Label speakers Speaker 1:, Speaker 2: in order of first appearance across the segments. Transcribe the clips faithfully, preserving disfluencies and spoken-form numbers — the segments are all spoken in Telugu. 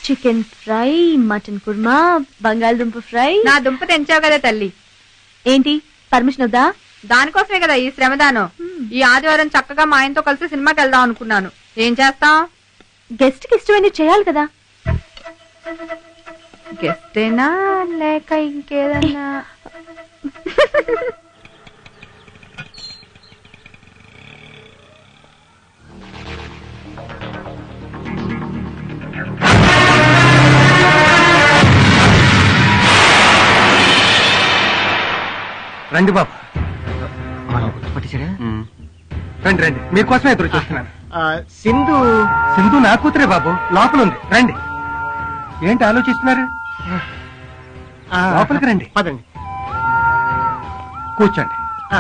Speaker 1: చికెన్ ఫ్రై, మటన్ కుర్మా, బంగాళదుంప ఫ్రై.
Speaker 2: నా దుంప తెంచావు కదా తల్లి.
Speaker 1: ఏంటి పర్మిషన్ వద్దా?
Speaker 2: దానికోసమే కదా ఈ శ్రమదానం. ఈ ఆదివారం చక్కగా మా ఆయనతో కలిసి సినిమాకి వెళ్దాం అనుకున్నాను. ఏం చేస్తాం?
Speaker 1: గెస్ట్ కి ఇష్టమైనది చేయాలి కదా.
Speaker 2: గెస్టేనా లేక ఇంకేదన్నా?
Speaker 3: రండి బాబు.
Speaker 4: గుర్తుపట్టేశారా?
Speaker 3: రండి రండి, మీకోసమే ఎదురు చూస్తున్నాను.
Speaker 4: సింధు
Speaker 3: సింధు నా కూతురే బాబు, లోపల ఉంది. రండి. ఏంటి ఆలోచిస్తున్నారు? లోపలికి రండి.
Speaker 4: పదండి,
Speaker 3: కూర్చోండి.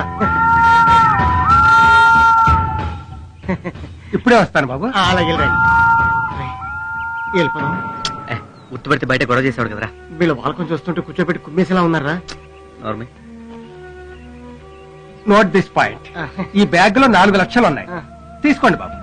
Speaker 3: ఇప్పుడే వస్తాను బాబు.
Speaker 4: అలాగే రండి. వెళ్ళిపోదాం.
Speaker 5: గుర్తుపడితే బయట గొడవ చేసేవాడు కదరా.
Speaker 4: వీళ్ళు వాళ్ళకొని చూస్తుంటే కూర్చోబెట్టి కుమ్మేసేలా ఉన్నారా?
Speaker 3: Note this point. ఈ బ్యాగ్ లో నాలుగు లక్షలు ఉన్నాయి, తీసుకోండి బాబు.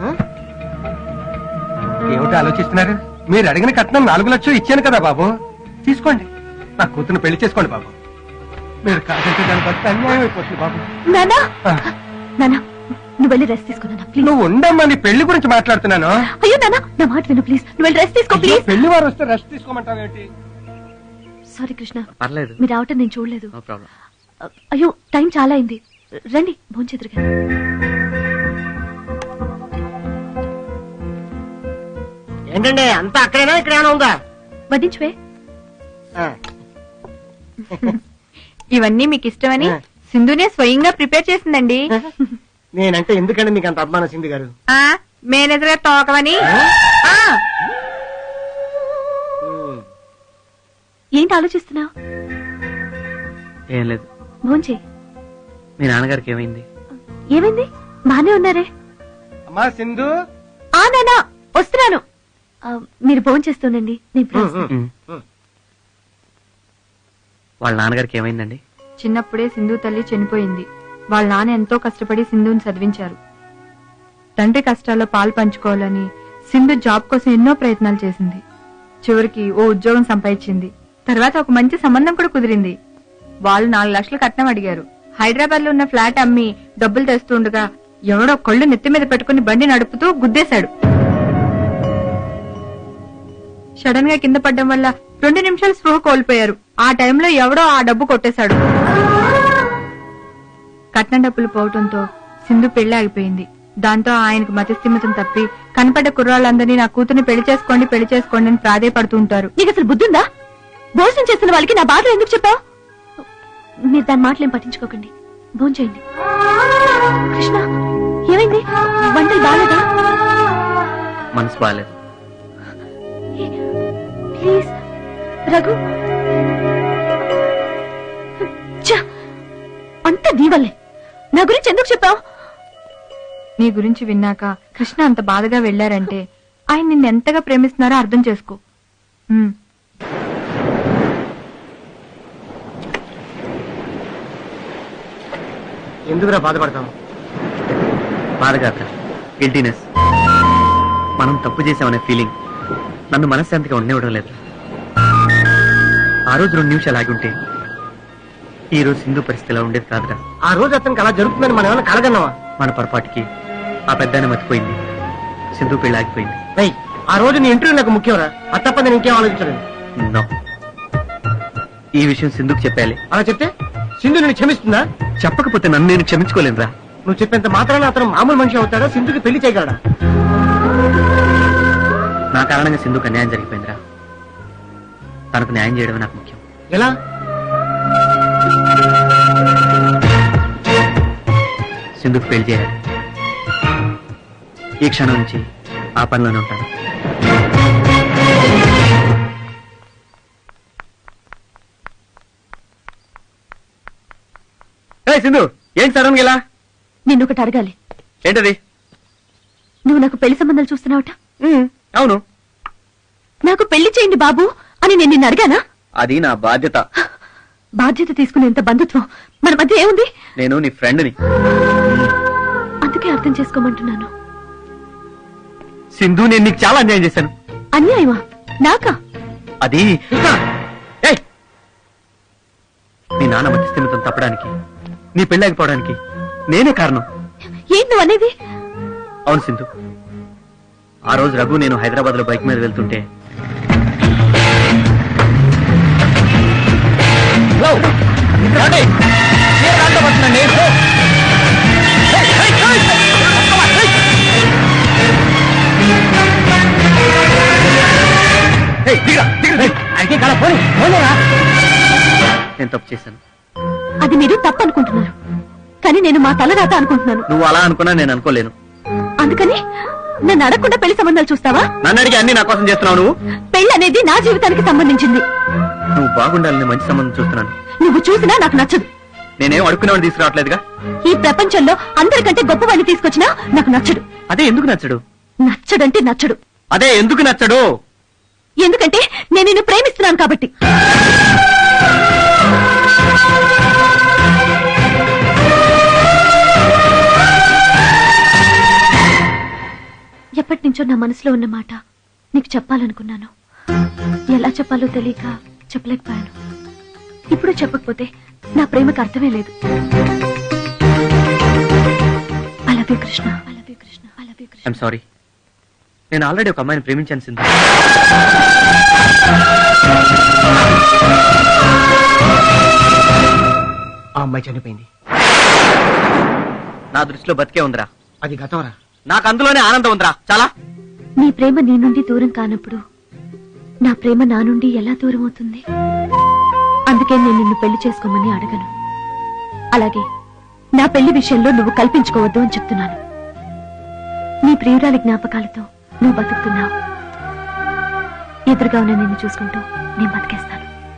Speaker 3: ఏమిటి ఆలోచిస్తున్నారు? మీరు అడిగిన కట్నం నాలుగు లక్షలు ఇచ్చాను కదా బాబు, తీసుకోండి. నా కూతురు పెళ్లి చేసుకోండి బాబు. మీరు కాదంటే దాని బట్టి అన్యాయం అయిపోతుంది బాబు.
Speaker 1: నానా నానా నువ్వు వెళ్ళి రెస్ట్ తీసుకున్నా ప్లీజ్.
Speaker 3: నువ్వు ఉండమ్మా, నీ పెళ్లి గురించి మాట్లాడుతున్నాను.
Speaker 1: అయ్యో నానా నా మాట విను ప్లీజ్. నువ్వు వెళ్ళి రెస్ట్ తీసుకో ప్లీజ్.
Speaker 3: పెళ్లి వారు వస్తే రెస్ట్ తీసుకోమంటావు ఏంటి?
Speaker 1: సారీ కృష్ణ,
Speaker 5: పర్లేదు,
Speaker 1: మీరు రావటం నేను చూడలేదు.
Speaker 5: No problem.
Speaker 1: అయ్యో టైం చాలా అయింది, రండి భోంచేదురుగా.
Speaker 4: ఏంటండి అంతా అక్కడైనా ఇక్కడైనా ఉందా?
Speaker 1: వడ్డించువే.
Speaker 2: ఇవన్నీ మీకు ఇష్టమని సింధునే స్వయంగా ప్రిపేర్ చేసిందండి.
Speaker 4: నేనంటే ఎందుకండి మీకు అంత అభిమానం సింధు గారు?
Speaker 2: ఆ మేనేజర్ గారు తోకవని.
Speaker 1: ఏంటి ఆలోచిస్తున్నావు?
Speaker 5: ఏం లేదు.
Speaker 1: భోంచే.
Speaker 5: మీ నాన్నగారికి ఏమైంది?
Speaker 1: ఏమైంది? బానే ఉన్నారే.
Speaker 3: అమ్మా సింధు.
Speaker 1: ఆ నానా వస్తున్నాను. మీరు భోంచేస్తుండండి, నేను
Speaker 5: వాళ్ళ నాన్నగారికి ఏమైందండి?
Speaker 2: చిన్నప్పుడే సింధు తల్లి చనిపోయింది. వాళ్ళ నాన్న ఎంతో కష్టపడి సింధుని చదివించారు. తండ్రి కష్టాల్లో పాలు పంచుకోవాలని సింధు జాబ్ కోసం ఎన్నో ప్రయత్నాలు చేసింది. చివరికి ఓ ఉద్యోగం సంపాదించింది. తర్వాత ఒక మంచి సంబంధం కూడా కుదిరింది. వాళ్ళు నాలుగు లక్షలు కట్నం అడిగారు. హైదరాబాద్ లో ఉన్న ఫ్లాట్ అమ్మి డబ్బులు తెస్తుండగా ఎవడో కళ్ళు నెత్తి మీద పెట్టుకుని బండి నడుపుతూ గుద్దేశాడు. సడన్ గా కింద పడ్డం వల్ల రెండు నిమిషాలు స్పృహ కోల్పోయారు. ఆ టైంలో ఎవడో ఆ డబ్బు కొట్టేశాడు. కట్నం డబ్బులు పోవటంతో సింధు పెళ్లి ఆగిపోయింది. దాంతో ఆయనకు మతిస్థిమితం తప్పి కనపడ్డ కుర్రాళ్ళందరినీ నా కూతుర్ని పెళ్లి చేసుకోండి పెళ్లి చేసుకోండి అని ప్రాధేయపడుతూ ఉంటారు.
Speaker 1: నీకు అసలు బుద్ధుందా? భోజనం చేస్తున్న వాళ్ళకి నా బాధ ఎందుకు చెప్పావు? మీరు దాని మాటలేం పట్టించుకోకండి, భోంచేయండి. కృష్ణ ఏమైంది? వంటలు బాగాలేదా?
Speaker 5: మనసు బాగాలేదు.
Speaker 1: ప్లీజ్ రఘు. అంత నీ వల్లే. నా గురించి ఎందుకు చెప్పావు?
Speaker 2: నీ గురించి విన్నాక కృష్ణ అంత బాధగా వెళ్లారంటే ఆయన నిన్ను ఎంతగా ప్రేమిస్తున్నారో అర్థం చేసుకో.
Speaker 4: ఎందుకురా బాధపడతాం?
Speaker 5: బాధ కాదురా, గిల్టీనెస్. మనం తప్పు చేసామనే ఫీలింగ్ నన్ను మనశ్శాంతిగా ఉండనివ్వడం లేదు. ఆ రోజు రెండు నిమిషాలు ఆగి ఉంటే ఈ రోజు సింధు పరిస్థితి ఇలా ఉండేది కాదురా.
Speaker 4: ఆ రోజు అతనికి అలా జరుగుతుందని మనం ఏమైనా కలగన్నావా?
Speaker 5: మన పొరపాటుకి ఆ పెద్దాయన మర్చిపోయింది, సింధు పెళ్లి ఆగిపోయింది.
Speaker 4: ఏయ్, ఆ రోజు నీ ఇంటర్వ్యూ నాకు ముఖ్యంరా. అది తప్ప నేను ఇంకేం ఆలోచించలేదు.
Speaker 5: నో, ఈ విషయం సింధుకు చెప్పాలి.
Speaker 4: అలా చెప్తే సింధు నేను క్షమిస్తుందా?
Speaker 5: చెప్పకపోతే నన్ను నేను క్షమించుకోలేనురా.
Speaker 4: నువ్వు చెప్పేంత మాత్రాన అతను మామూలు మనిషి అవుతాడా? సింధుకి పెళ్లి చేయగలడా?
Speaker 5: నా కారణంగా సింధుకు అన్యాయం జరిగిపోయిందిరా. తనకు న్యాయం చేయడమే నాకు ముఖ్యం.
Speaker 4: ఎలా?
Speaker 5: సింధుకు పెళ్లి చేయాలి. ఈ క్షణం నుంచి ఆ పనిలోనే ఉంటాను. సింధు, ఏంటి సడన్ గా ఇలా?
Speaker 1: నిన్ను ఒకటి అడగాలి.
Speaker 5: ఏంటది?
Speaker 1: నువ్వు నాకు పెళ్లి సంబంధాలు చూస్తున్నావుట?
Speaker 5: అవును.
Speaker 1: నాకు పెళ్లి చేయండి బాబు అని నేను నిన్ను అడిగానా?
Speaker 5: అది నా బాధ్యత.
Speaker 1: బాధ్యత తీసుకునేంత బంధుత్వం మన మధ్య ఏముంది?
Speaker 5: నేను నీ ఫ్రెండ్ని.
Speaker 1: అందుకే అర్థం చేసుకోమంటున్నాను.
Speaker 5: సింధు, నేను నీకు చాలా అన్యాయం చేశాను.
Speaker 1: అన్యాయమా? నాకా?
Speaker 5: అది నీ నాన్న మధ్యస్థిమితం తప్పడానికి, నీ పెళ్ళాగిపోవడానికి నేనే కారణం.
Speaker 1: ఏంటి నువ్వు అనేది?
Speaker 5: అవును సింధు, ఆ రోజు రఘు నేను హైదరాబాద్ లో బైక్ మీద వెళ్తుంటే నేను తప్పు చేశాను.
Speaker 1: అది మీరు తప్పు అనుకుంటున్నారు, కానీ నేను మా తలరాత అనుకుంటున్నాను.
Speaker 5: నువ్వు అలా అనుకున్నా నేను అనుకోలేను.
Speaker 1: అందుకని నన్ను అడగకుండా పెళ్లి సంబంధాలు చూస్తావా?
Speaker 5: నన్ను అడిగి అన్ని నా కోసం చేస్తున్నావు. నువ్వు
Speaker 1: పెళ్లి అనేది నా జీవితానికి సంబంధించింది.
Speaker 5: నువ్వు బాగుండాలని మంచి సంబంధం చూస్తున్నాను.
Speaker 1: నువ్వు చూసినా నాకు నచ్చదు.
Speaker 5: నేనేం అడుక్కునేవాడిని తీసుకురావట్లేదుగా.
Speaker 1: ఈ ప్రపంచంలో అందరికంటే గొప్పవాడిని తీసుకొచ్చినా నాకు నచ్చడు.
Speaker 5: అదే ఎందుకు నచ్చడు?
Speaker 1: నచ్చడంటే నచ్చడు.
Speaker 5: అదే ఎందుకు నచ్చడు?
Speaker 1: ఎందుకంటే నేను నిన్ను ప్రేమిస్తున్నాను కాబట్టి. ఎప్పటి నుంచో నా మనసులో ఉన్న మాట నీకు చెప్పాలనుకున్నాను. ఎలా చెప్పాలో తెలియక చెప్పలేకపోయాను. ఇప్పుడు చెప్పకపోతే నా ప్రేమకు అర్థమే లేదు. I love you, Krishna. I love you, Krishna. I love you, Krishna.
Speaker 5: I'm sorry. నేను ఆల్రెడీ ఒక అమ్మాయిని ప్రేమించాను సింధు.
Speaker 4: ఆ అమ్మాయి చనిపోయింది.
Speaker 5: నా దృష్టిలో బతికే ఉందిరా.
Speaker 4: అది గతంరా.
Speaker 5: నాకు అందులోనే ఆనందం ఉందిరా. చాలా.
Speaker 1: నీ ప్రేమ నీ నుండి దూరం కానప్పుడు నా ప్రేమ నా నుండి ఎలా దూరం అవుతుంది? అందుకే నేను నిన్ను పెళ్లి చేసుకోమని అడగను. అలాగే నా పెళ్లి విషయంలో నువ్వు కల్పించుకోవద్దు అని చెప్తున్నాను. నీ ప్రియురాలి జ్ఞాపకాలతో నువ్వు బతుకుతున్నావు. ఎదురుగా ఉన్న నిన్ను చూసుకుంటూ నేను బతికేస్తాను.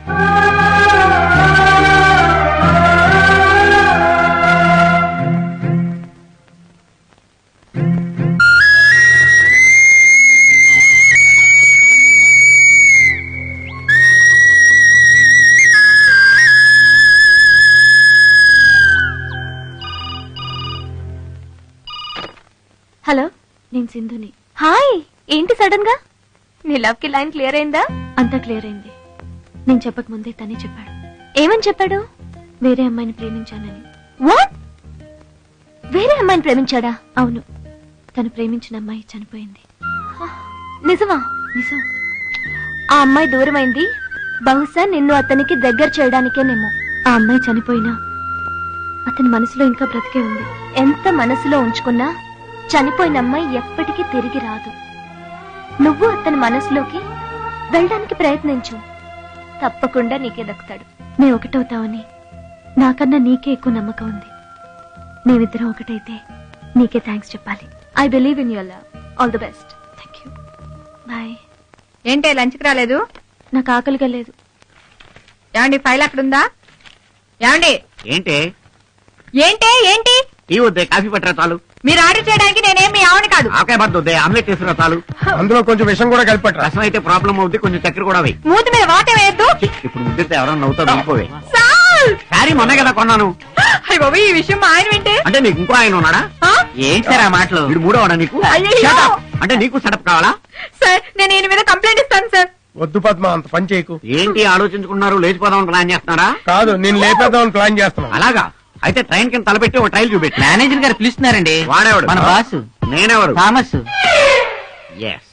Speaker 1: హలో, నేను సింధుని. హాయ్, ఏంటి సడన్ గా? నీ లవ్ కి లైన్ క్లియర్ అయిందా? అంతా క్లియర్ అయింది. నేను చెప్పక ముందే తనే చెప్పాడు. ఏమని చెప్పాడు? వేరే అమ్మాయిని ప్రేమించానని. వాట్? వేరే అమ్మాయిని ప్రేమించాడా? అవును, తను ప్రేమించిన అమ్మాయి చనిపోయింది. నిజమా? నిజం. ఆ అమ్మాయి దూరమైంది. బహుశా నిన్ను అతనికి దగ్గర చేయడానికేనేమో. ఆ అమ్మాయి చనిపోయినా అతని మనసులో ఇంకా బ్రతికే ఉంది. ఎంత మనసులో ఉంచుకున్నా చనిపోయిన అమ్మాయి ఎప్పటికీ తిరిగి రాదు. నువ్వు అతని మనసులోకి వెళ్ళడానికి ప్రయత్నించు, తప్పకుండా నీకే దక్కుతాడు. నే ఒకటవుతావని నాకన్నా నీకే ఎక్కువ నమ్మకం ఉంది. మేమిద్దరం ఒకటైతే నీకే థ్యాంక్స్ చెప్పాలి. I believe in your love. All the best. Thank you. Bye.
Speaker 2: ఏంటే లంచ్కి రాలేదు?
Speaker 1: నాకు ఆకలిగా లేదు.
Speaker 2: ఏమండి, ఫైల్ అక్కడుందా? ఏమండి?
Speaker 5: ఏంటి
Speaker 2: ఏంటే ఏంటి?
Speaker 5: టీ వద్దే, కాఫీ పట్టరా చాలు.
Speaker 2: మీరు ఆర్డర్ చేయడానికి నేనేం మీ ఆవిడ కాదు.
Speaker 5: ఆకాయ బద్ద వద్దే, ఆమ్లెట్ వేసుకురా చాలు.
Speaker 3: అందులో కొంచెం విషం కూడా కలిపట్రా.
Speaker 5: రసం అయితే ప్రాబ్లం అవుద్ది, కొంచెం చక్కెర కూడా వేయి.
Speaker 2: మూతి మీద వాటే వేయద్దు.
Speaker 5: ఇప్పుడు ముద్దితే ఎవరన్నా నవ్వుతా వెళ్ళిపోవే.
Speaker 2: సాల్!
Speaker 5: సారీ మొన్న కదా కొన్నాను.
Speaker 2: అయ్య బాబు, ఈ విషయం మా ఆయన వింటే?
Speaker 5: అంటే నీకు ఇంకో ఆయన ఉన్నాడా? ఏంటి సార్ ఆ మాటలు? వీడు మూడోవాడా నీకు?
Speaker 2: అయ్యయ్యో!
Speaker 5: Shut up! అంటే నీకు సెటప్ కావాలా?
Speaker 2: సార్, నేను ఈయన మీద కంప్లైంట్ ఇస్తాను సార్.
Speaker 3: వద్దు పద్మ, అంత పని చేయకు.
Speaker 5: ఏంటి ఆలోచించుకున్నారు? లేచిపోదామని ప్లాన్ చేస్తున్నారా?
Speaker 3: కాదు, నేను లేపేద్దామని ప్లాన్ చేస్తున్నాను.
Speaker 5: అలాగా? అయితే ట్రైన్ కింద తలపెట్టి ఒక ట్రైల్ చూపెట్టి.
Speaker 6: మేనేజర్ గారు పిలుస్తున్నారండి.
Speaker 5: వాడేవాడు?
Speaker 6: మన బాస్
Speaker 5: నేనెవరు?
Speaker 6: థామస్.
Speaker 5: ఎస్.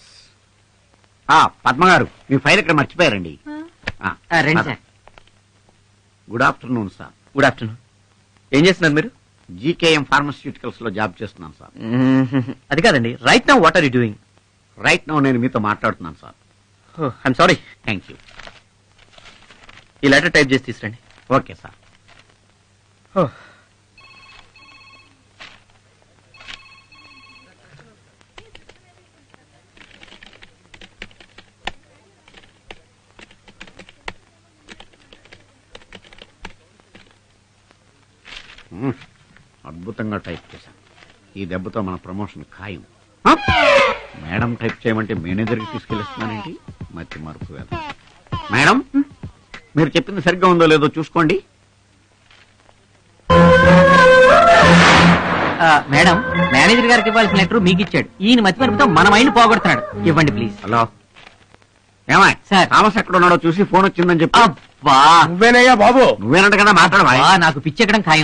Speaker 5: ఆ పద్మ గారు, మీ ఫైల్ ఇక్కడ మర్చిపోయారండి.
Speaker 6: ఆ, రండి sir.
Speaker 5: Good afternoon sir. Good afternoon. ఏం చేస్తున్నారు మీరు? జీకేఎం ఫార్మస్యూటికల్స్ లో జాబ్ చేస్తున్నాను సార్. అది కాదండి, right now what are you doing? Right now నేను మీతో మాట్లాడుతున్నాను sir. I'm sorry. Thank you. ఈ లెటర్ టైప్ చేసి తీసుకురండి. Okay sir. అద్భుతంగా టైప్ చేశాను. ఈ దెబ్బతో మన ప్రమోషన్ ఖాయం. మేడం టైప్ చేయమంటే మేనేజర్కి తీసుకెళ్ళిస్తున్నానండి. మతి మరుపు వేద. మేడం, మీరు చెప్పింది సరిగ్గా ఉందో లేదో చూసుకోండి.
Speaker 6: మేడం, మేనేజర్ గారికి ఇవ్వాల్సిన లెటర్ మీకు ఇచ్చాడు. ఈయన మతి మరుపుతో మన మైండ్ పోగొడుతున్నాడు. ఇవ్వండి ప్లీజ్.
Speaker 5: హలో,
Speaker 7: ఏమాయ్
Speaker 6: సార్.
Speaker 7: థామస్ ఎక్కడ ఉన్నాడో చూసి ఫోన్ వచ్చిందని చెప్పి
Speaker 6: అబ్బా
Speaker 3: నువ్వేనయ్యా బాబు
Speaker 7: నువ్వేనంట కదా మాట్లాడవా
Speaker 6: అబ్బా, నాకు పిచ్చెక్కడం ఖాయం.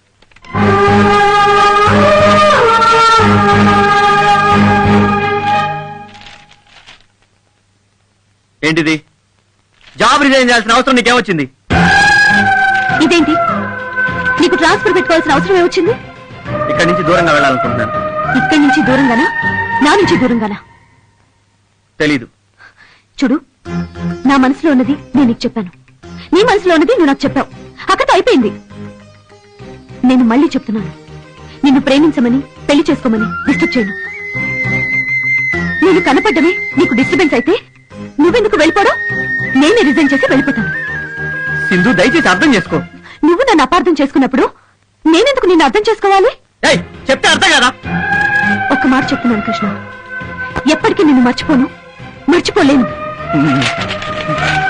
Speaker 5: ఏంటిది? జాబ్ రిజైన్ చేయాల్సిన అవసరం నీకేమొచ్చింది?
Speaker 1: ఇదేంటి నీకు ట్రాన్స్ఫర్ పెట్టుకోవాల్సిన అవసరం ఏమొచ్చింది?
Speaker 5: ఇక్కడి నుంచి దూరంగా వెళ్ళాలనుకుంటున్నాను.
Speaker 1: ఇక్కడి నుంచి దూరంగానా, నా నుంచి దూరంగానా?
Speaker 5: తెలీదు.
Speaker 1: చూడు, నా మనసులో ఉన్నది నేను నీకు చెప్పాను, నీ మనసులో ఉన్నది నువ్వు నాకు చెప్పావు. అక్కతో అయిపోయింది. నేను మళ్ళీ చెప్తున్నాను, నిన్ను ప్రేమించమని పెళ్లి చేసుకోమని డిస్టర్బ్ చేయను. నేను కనపడ్డమే నీకు డిస్టర్బెన్స్ అయితే నువ్వెందుకు వెళ్ళిపోవడం? నేనే రిజైన్ చేసి వెళ్ళిపోతాను.
Speaker 5: సింధు, దయచేసి అర్థం చేసుకో.
Speaker 1: నువ్వు నన్ను అపార్థం చేసుకున్నప్పుడు నేనెందుకు నిన్ను అర్థం చేసుకోవాలి?
Speaker 5: ఏయ్, చెప్తే అర్థం కదా?
Speaker 1: ఒక్క మాట చెప్తున్నాను కృష్ణ, ఎప్పటికీ నిన్ను మర్చిపోను, మర్చిపోలేను.